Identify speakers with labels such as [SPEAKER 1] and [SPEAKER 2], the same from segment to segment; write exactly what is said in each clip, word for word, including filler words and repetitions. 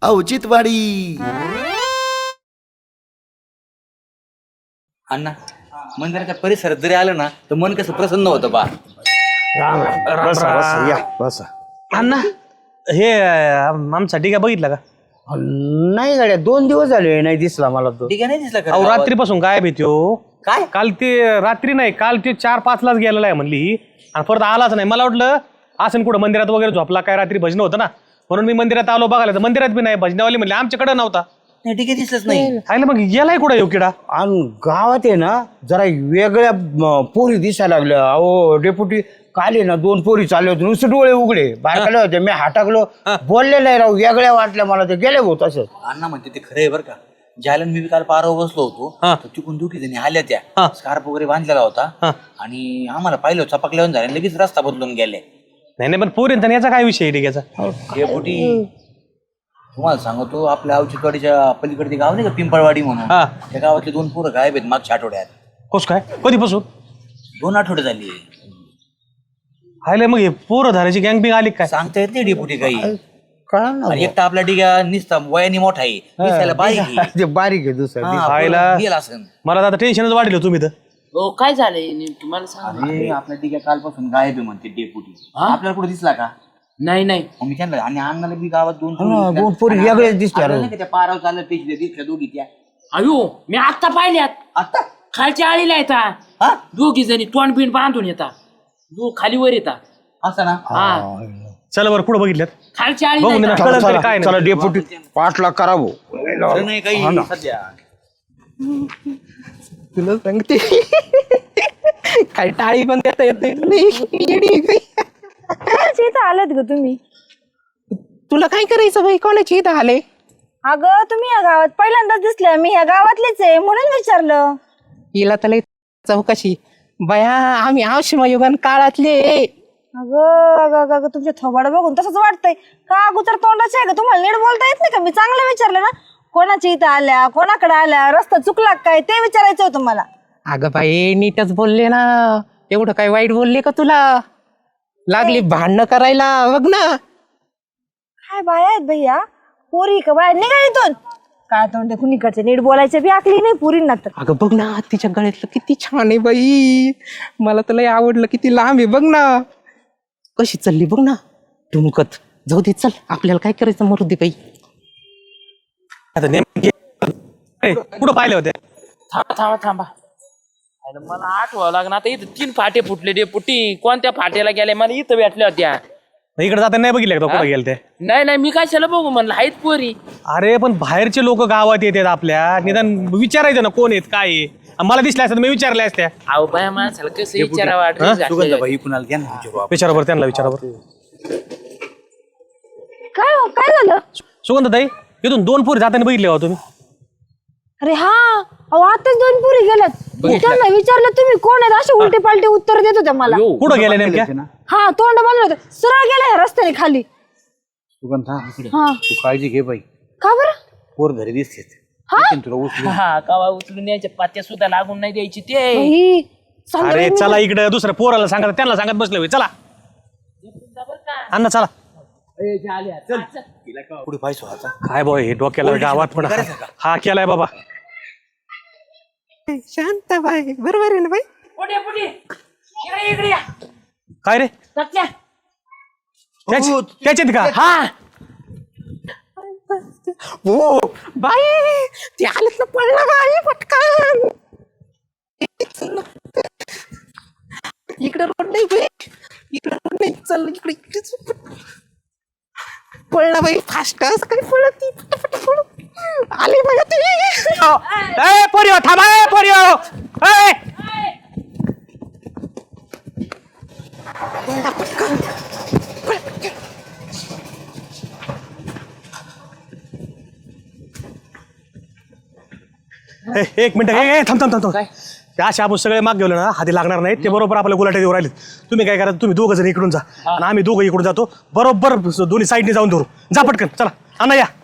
[SPEAKER 1] औचित्यवाडी.
[SPEAKER 2] अण्णा मंदिराच्या परिसरात जरी आलं ना तर मन कसं प्रसन्न होतं बा.
[SPEAKER 3] बसा बसा या बसा.
[SPEAKER 4] अण्णा हे आमचा डिगा बघितला का?
[SPEAKER 3] नाही गाड्या दोन दिवस झाले नाही दिसला मला तो.
[SPEAKER 2] ठीक आहे नाही दिसला
[SPEAKER 4] अहो
[SPEAKER 2] का
[SPEAKER 4] रात्रीपासून गायब येतो.
[SPEAKER 2] काय
[SPEAKER 4] काल ते रात्री नाही काल ते चार पाच लाच गेलेला आहे म्हणली ही आणि परत आलाच नाही. मला वाटलं असं कुठं मंदिरात वगैरे झोपला काय रात्री भजन होतं ना म्हणून मी मंदिरात आलो बघायला तर मंदिरात बी नाही. भजनावाली म्हणले आमच्याकडे नव्हता.
[SPEAKER 2] नाही ठीक आहे दिसलंच नाही.
[SPEAKER 4] आयला मग गेलाय कुठं येऊ किडा?
[SPEAKER 3] आणि गावात आहे ना जरा वेगळ्या म, पोरी दिसायला लागल्या. अहो डेपुटी काल आहे ना दोन पोरी चालले होते नुसते डोळे उघडे बारकाले होते. मी हाटाकलो बोलले नाही राव वेगळ्या वाटल्या मला ते गेले भाऊ तसं.
[SPEAKER 2] अण्णा म्हणते ते खरं आहे बरं का. ज्याला मी काल पारावर बसलो होतो तर तिकून दुखी जणी आल्या त्या स्कार्फ वगैरे बांधलेला होता आणि आम्हाला पाहिलं चपकल्यावर झाले लगेच रस्ता बदलून गेले.
[SPEAKER 4] नाही नाही पण पोरींचा याचा काय विषय डिग्याचा?
[SPEAKER 2] डेपुटी तुम्हाला सांगतो आपल्या औचित्यवाडीच्या पलीकडचे गाव नाही का पिंपळवाडी म्हणून त्या गावातले दोन पोरं गायब आहेत मागच्या आठवड्यात.
[SPEAKER 4] कस काय कधीपासून?
[SPEAKER 2] दोन आठवडे झाली.
[SPEAKER 4] हायला मग हे पोरं धाराची गँग बिंग आली काय?
[SPEAKER 2] सांगता येत नाही डेपुटी काही.
[SPEAKER 3] कळा ना
[SPEAKER 2] आणि एकटा आपला डिगा निसता वयाने मोठा आहे दिसायला बारीक आहे.
[SPEAKER 3] ते बारीक आहे दुसरं.
[SPEAKER 2] हा,
[SPEAKER 4] खायला
[SPEAKER 2] पोरं गेला असेल.
[SPEAKER 4] मला आता टेन्शनच वाढलं तुम्ही तर.
[SPEAKER 5] हो काय झालंय नेमकी मला सांग.
[SPEAKER 2] अरे आपला डिगा कालपासून गायब आहे म्हणते डेपुटी. आपल्याला कुठे दिसला का?
[SPEAKER 5] नाही नाही
[SPEAKER 2] मग मी त्यांना आणि अंगाला बी गावात दोन
[SPEAKER 3] हा, दोन पोरी वेगळेच दिसल्या
[SPEAKER 2] आपल्याला नाही का त्या पारावर चाललं पेशल्या दिसल्या दोघी त्या
[SPEAKER 5] अयो मी आत्ता पाहिल्यात.
[SPEAKER 2] आता
[SPEAKER 5] खालच्या आळीला येतात दोघी जणी तोंड बिंड बांधून येतात दो खाली वर येतात.
[SPEAKER 2] असं ना.
[SPEAKER 5] हा
[SPEAKER 4] चला बरं पुढे बघितल्यात
[SPEAKER 5] खालच्या
[SPEAKER 4] बघू
[SPEAKER 5] आळीला
[SPEAKER 4] ना
[SPEAKER 5] येतात.
[SPEAKER 4] कळलं तरी
[SPEAKER 3] चला
[SPEAKER 4] काय
[SPEAKER 3] चला
[SPEAKER 4] नाही.
[SPEAKER 3] डेपुटी पाठला करा भाऊ.
[SPEAKER 2] खरं नाही काही सध्या.
[SPEAKER 6] तुला सांगते काय टाळी पण देता येत नाही.
[SPEAKER 7] इथं आलात ग तुम्ही?
[SPEAKER 6] तुला काय करायचं बाई कोणाची इथं आले?
[SPEAKER 7] अगं तुम्ही या गावात पहिल्यांदाच दिसल्या. मी ह्या गावातलेच आहे म्हणून विचारलं.
[SPEAKER 6] हिला तर लय चौकशी बया आम्ही आवशिमा युगान काळातले.
[SPEAKER 7] अगं अगं अगं अगं, तुमच्या थोबाड बघून तसंच वाटतंय का? अगोदर तोंडाचे आहे का? तुम्हाला नीट बोलता येत नाही का? मी चांगलं विचारलं ना कोणाच्या इथं आल्या कोणाकडे आल्या रस्ता चुकला काय ते विचारायचं होतं मला.
[SPEAKER 6] अगं बाई नीटच बोलले ना. एवढं काय वाईट बोलले का तुला? लागली भांडणं करायला बघ ना.
[SPEAKER 7] काय बाया आहेत भैया? पोरी का बाया निघा इथून. काय तोंडे कुणीकडचे नीट बोलायचे बी आकली नाही पुरींना तर.
[SPEAKER 6] अगं बघ ना तिच्या गळ्यातलं किती छान आहे बाई. मला तर लय आवडलं. किती लांब आहे बघ ना. कशी चालली बघ ना टुमकत. जाऊ दे चल आपल्याला काय करायचं मरू दे बाई.
[SPEAKER 4] आता नेमके कुठं पाहिले होते?
[SPEAKER 5] थांबा थांबा थांबा अरे मला आठवावं लागणार. आता इथं तीन फाटे फुटले डे पुटी. कोणत्या फाट्याला गेले मला इथं भेटल्या होत्या.
[SPEAKER 4] इकडे जाता नाही बघितलं का कुठं गेले ते?
[SPEAKER 5] नाही नाही मी कशाला बघू म्हणलं आहेत पोरी.
[SPEAKER 4] अरे पण बाहेरचे लोक गावात येतात आपल्या निदान विचारायचं ना कोण आहेत काय आहे. मला दिसल्या असत्या मी विचारल्या असत्या.
[SPEAKER 5] अहो बाया माणसाला कसं विचारावं
[SPEAKER 2] सुगंधाबाई कुणाला द्या ना विचारू आपण.
[SPEAKER 4] विचारा बरं त्यांना विचारा बरं.
[SPEAKER 7] काय हो काय झालं?
[SPEAKER 4] सुगंधताई इथून दोन पोरी जाताना बघितले हो तुम्ही?
[SPEAKER 7] अरे हा अहो आताच दोन पुरी गेल्यात. त्यांना विचारलं तुम्ही कोण आहेत असे उलटे पालटे उत्तर देत होते मला.
[SPEAKER 4] कुठं गेले नेमक्या?
[SPEAKER 7] हा तोंड बांधलं होतं सरळ गेले ह्या रस्त्याने खाली.
[SPEAKER 3] सुगंधा
[SPEAKER 7] हा
[SPEAKER 3] तू काळजी घे बाई.
[SPEAKER 7] का बरं?
[SPEAKER 3] पोर घरी दिसते तुला उचलून.
[SPEAKER 5] हा कवा उचलून यायच्या पात्या सुद्धा लागून नाही द्यायची ते.
[SPEAKER 7] बाई, चाललं
[SPEAKER 4] अरे
[SPEAKER 7] बाई मी.
[SPEAKER 4] चला इकडे दुसऱ्या पोराला सांगा त्यांना सांगत बसले होय. चला अण्णा चला.
[SPEAKER 2] पुढे पाहिजे आता
[SPEAKER 4] काय बॉय हे डोक्याला गावात पण हा केलाय बाबा.
[SPEAKER 6] शांत बाई बरोबर आहे ना बाई.
[SPEAKER 5] पुढे पुढे इकडे इकडे या.
[SPEAKER 4] काय रे
[SPEAKER 5] सत्या.
[SPEAKER 4] त्याच- त्याच्यात का?
[SPEAKER 5] हा
[SPEAKER 6] हो बाई ते आलेत ना पडला बाई पटकन. इकडे रोड नाही बाई. इकडे रोड नाही चल इकडे इकडेच पडला बाई फास्ट काय पडत ती पटपट पडत आली बाई ती.
[SPEAKER 4] ए पोरियो थांबा ए पोरियो ए ए, एक मिनिट ए, ए, थांब थांब थांब थांब त्या अशा आपण सगळे माग गेलो ना हाती लागणार नाही. ते बरोबर आपल्या गुलाट्या देऊ राहिले. तुम्ही काय करा तुम्ही दोघं जण इकडून जा आणि आम्ही दोघं इकडून जातो बरोबर दोन्ही साईडने जाऊन धरू. जा पटकन चला आणा या.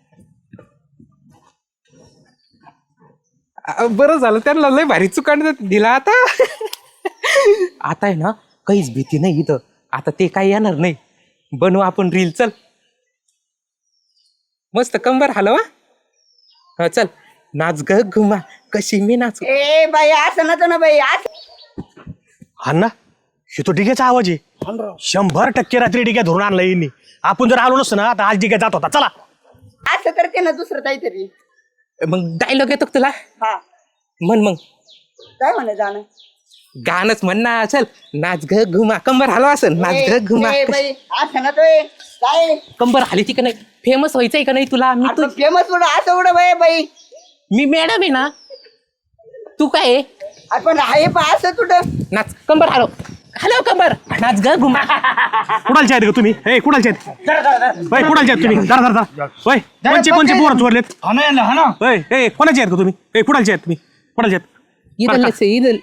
[SPEAKER 6] बरं झालं त्यांना लय भारी चुकांड दिला. आता आता आहे ना काहीच भीती नाही इथं. आता ते काही येणार नाही. बनवू आपण रील चल. मस्त कंबर हलवा. हा चल नाच ग घुमा कशी मी नाचू.
[SPEAKER 3] ए बाई असं नव्हतं ना बाई असं.
[SPEAKER 4] हा ना हे तो डिग्याचा आवाज आहे. शंभर टक्के रात्री डिग्या धरून आणला यांनी. आपण जर आलो नसतो ना आता आज डिग्या जात होता. चला
[SPEAKER 3] असं करते ना दुसरं काहीतरी.
[SPEAKER 6] मग डायलॉग येतो का तुला.
[SPEAKER 3] हा
[SPEAKER 6] म्हण मग
[SPEAKER 3] काय म्हणे जाणं.
[SPEAKER 6] गाणंच म्हण ना. चल नाच ग घुमा कंबर हलवा असं नाच ग घुमा.
[SPEAKER 3] ए बाई असं नव्हतोय काय.
[SPEAKER 6] कंबर हली ती का नाही. फेमस व्हायचंय का नाही तुला. मी तू
[SPEAKER 3] फेमस उडं असं उडं बाई बाई.
[SPEAKER 6] मी मॅडम आहे ना. तू काय आहे?
[SPEAKER 3] आपण आहे पा असं तुटं.
[SPEAKER 6] नाच कंबर हलव हलव कंबर नाच ग घुमा.
[SPEAKER 4] कुणालचे आहेत का तुम्ही. हे कुणालचे आहेत होय कुणालचे आहेत तुम्ही. धरा धरा धरा होय कोणचे कोणचे पोरं चोरलेत.
[SPEAKER 2] हा ना हा ना
[SPEAKER 4] होय हे कोणाचे आहेत का तुम्ही. हे कुणालचे आहेत तुम्ही कुणालचे आहेत.
[SPEAKER 6] इदल इदल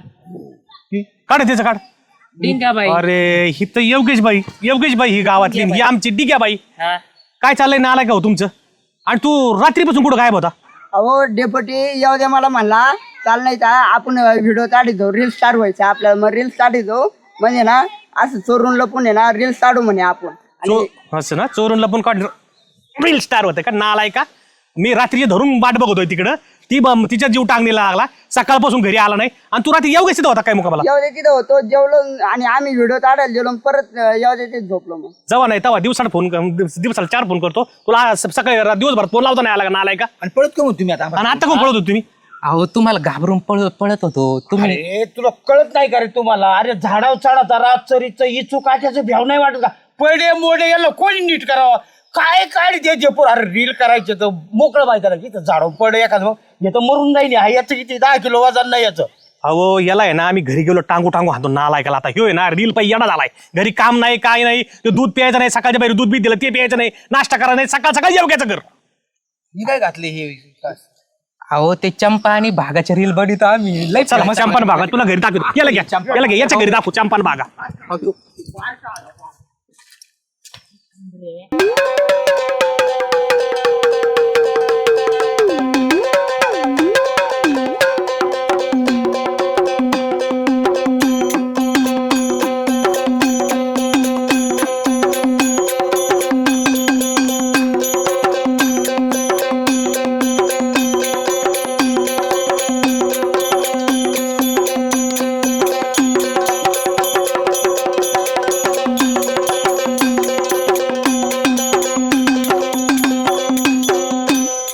[SPEAKER 4] काढ त्याचं काढ.
[SPEAKER 5] डिंगाबाई.
[SPEAKER 4] अरे ही तर योगेश बाई योगेश बाई ही गावातली ही आमची डिग्या बाई.
[SPEAKER 5] हा
[SPEAKER 4] काय चाललंय ना आलाय का हो तुमचं. आणि तू रात्रीपासून कुठं गायब होता.
[SPEAKER 3] अहो डेपुटी येऊ द्या मला म्हणला चाल नाही का आपण व्हिडिओ काढितो रील्स स्टार व्हायचा आपल्याला. मग रील्स काढितो म्हणजे ना असं चोरून लपून आहे ना रील्स काढू म्हणे आपण.
[SPEAKER 4] चो असं ना चोरून लपून काढ रील स्टार होते का नालाय का. मी रात्री धरून वाट बघतोय तिकडं. ती ब- तिच्या जीव टांगणीला लागला सकाळपासून घरी आला नाही. आणि तू रात्री येऊ होता काय मुकाबला.
[SPEAKER 3] येऊ दे तिथं होतो जेवलो आणि आम्ही व्हिडिओ काढायला गेलो परत येऊ दे ते झोपलो. मग
[SPEAKER 4] जेव्हा नाही तेव्हा दिवसाला फोन दिवसाला चार फोन करतो तुला. स- सकाळी रा- दिवसभर फोन लावता नाही आला का नालाय का.
[SPEAKER 2] आणि पळत का मग तुम्ही आता
[SPEAKER 4] आणि आता कोण पळत होतो तुम्ही.
[SPEAKER 6] अहो तुम्हाला घाबरून पळ पळत होतो तुम्ही.
[SPEAKER 3] अरे तुला कळत नाही का रे तुम्हाला. अरे झाडाव चढाचा रातचरीचं इचू काट्याचं भ्याव नाही वाटत का. पडे मोडे याला कोणी नीट करावं. काय काय द्यायचे पोर. अरे रील करायचे तर मोकळं माहिती ना की झाडाव पडे एखादं याचं मरून जाईल. हा याचं किती दहा किलो वजन नाही याचं.
[SPEAKER 4] अहो याला आहे ना आम्ही घरी गेलो टांगू टांगू हातो नालायकाला. आता ह्यो आहे ना रील पाहिजे येणा झालाय. घरी काम नाही काय नाही. ते दूध प्यायचं नाही सकाळच्या बाहेर दूध बी दिलं ते प्यायचं नाही. नाश्ता करा नाही सकाळ सकाळी जेवग्याचं कर.
[SPEAKER 2] मी काय घातले हे
[SPEAKER 6] अहो ते चंपा आणि भागाच्या रील बघित आम्ही लय
[SPEAKER 4] चला चंपान भागा तुला घरी दाखवतो. याला घ्या याला घ्या याच्या घरी दाखवू चंपान भागा.